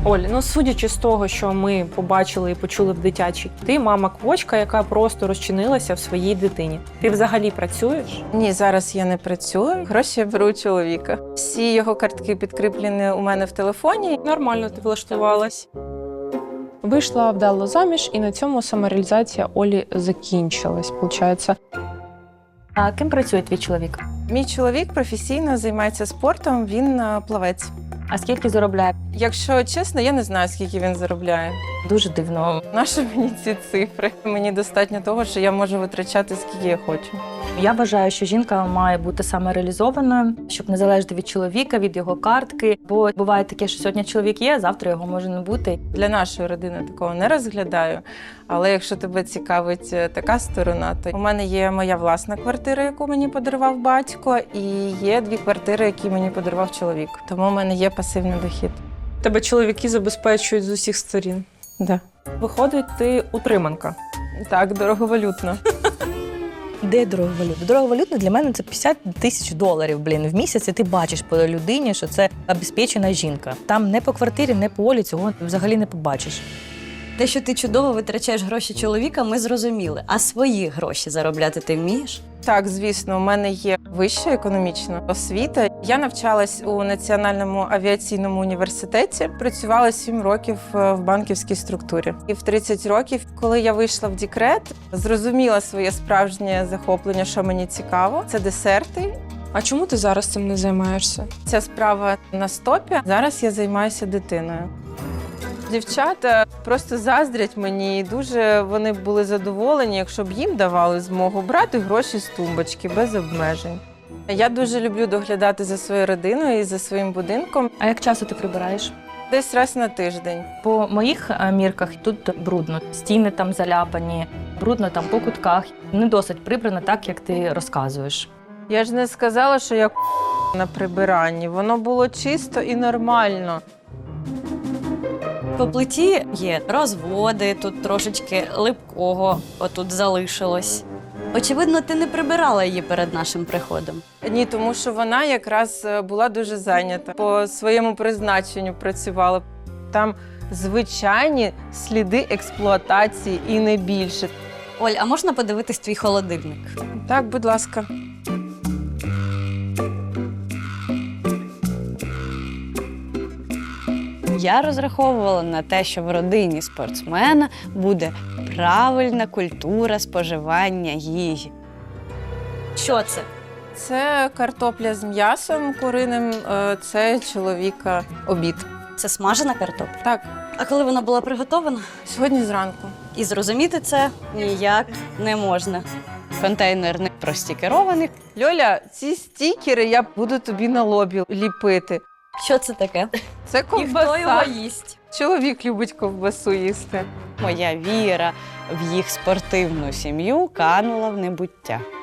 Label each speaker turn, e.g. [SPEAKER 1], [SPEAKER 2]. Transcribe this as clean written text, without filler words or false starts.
[SPEAKER 1] Оль, ну судячи з того, що ми побачили і почули в дитячій, ти мама-квочка, яка просто розчинилася в своїй дитині. Ти взагалі працюєш?
[SPEAKER 2] Ні, зараз я не працюю. Гроші я беру у чоловіка. Всі його картки підкріплені у мене в телефоні.
[SPEAKER 1] Нормально ти влаштувалась. Вийшла вдало заміж, і на цьому самореалізація Олі закінчилась, виходить.
[SPEAKER 3] А ким працює твій чоловік?
[SPEAKER 2] Мій чоловік професійно займається спортом, він плавець.
[SPEAKER 3] А скільки заробляє?
[SPEAKER 2] Якщо чесно, я не знаю, скільки він заробляє.
[SPEAKER 3] Дуже дивно.
[SPEAKER 2] Нащо мені ці цифри? Мені достатньо того, що я можу витрачати, скільки я хочу.
[SPEAKER 3] Я вважаю, що жінка має бути самореалізованою, щоб не залежати від чоловіка, від його картки. Бо буває таке, що сьогодні чоловік є, а завтра його може не бути.
[SPEAKER 2] Для нашої родини такого не розглядаю. Але якщо тебе цікавить така сторона, то у мене є моя власна квартира, яку мені подарував батько, і є 2 квартири, які мені подарував чоловік. Тому в мене є пасивний дохід.
[SPEAKER 1] Тебе чоловіки забезпечують з усіх сторін.
[SPEAKER 2] Да.
[SPEAKER 1] Виходить, ти утриманка.
[SPEAKER 2] Так, дороговалютно.
[SPEAKER 4] Де дороговалютно? Дороговалютно для мене це 50 тисяч доларів, в місяць, і ти бачиш по людині, що це обезпечена жінка. Там не по квартирі, не по Олі цього взагалі не побачиш.
[SPEAKER 5] Те, що ти чудово витрачаєш гроші чоловіка, ми зрозуміли. А свої гроші заробляти ти вмієш?
[SPEAKER 2] Так, звісно, у мене є вища економічна освіта. Я навчалась у Національному авіаційному університеті, працювала 7 років в банківській структурі. І в 30 років, коли я вийшла в декрет, зрозуміла своє справжнє захоплення, що мені цікаво. Це десерти.
[SPEAKER 1] А чому ти зараз цим не займаєшся?
[SPEAKER 2] Ця справа на стопі. Зараз я займаюся дитиною. Дівчата просто заздрять мені, і дуже вони були задоволені, якщо б їм давали змогу брати гроші з тумбочки без обмежень. Я дуже люблю доглядати за своєю родиною і за своїм будинком.
[SPEAKER 3] А як часто ти прибираєш?
[SPEAKER 2] Десь раз на тиждень.
[SPEAKER 3] По моїх мірках тут брудно. Стіни там заляпані, брудно там по кутках. Не досить прибрано так, як ти розказуєш.
[SPEAKER 2] Я ж не сказала, що я на прибиранні. Воно було чисто і нормально.
[SPEAKER 5] По плиті є розводи, тут трошечки липкого отут залишилось. Очевидно, ти не прибирала її перед нашим приходом.
[SPEAKER 2] Ні, тому що вона якраз була дуже зайнята. По своєму призначенню працювала. Там звичайні сліди експлуатації і не більше.
[SPEAKER 5] Оль, а можна подивитись твій холодильник?
[SPEAKER 2] Так, будь ласка.
[SPEAKER 5] Я розраховувала на те, що в родині спортсмена буде правильна культура споживання їжі. Що це?
[SPEAKER 2] Це картопля з м'ясом куриним, це чоловіка обід.
[SPEAKER 5] Це смажена картопля?
[SPEAKER 2] Так,
[SPEAKER 5] А коли вона була приготована?
[SPEAKER 2] сьогодні зранку.
[SPEAKER 5] І зрозуміти це ніяк не можна. Контейнер не простікерований.
[SPEAKER 2] Льоля, ці стікери я буду тобі на лобі ліпити.
[SPEAKER 5] Що це таке?
[SPEAKER 2] Це ковбаса.
[SPEAKER 5] їсть?
[SPEAKER 2] Чоловік любить ковбасу їсти.
[SPEAKER 5] Моя віра в їх спортивну сім'ю канула в небуття.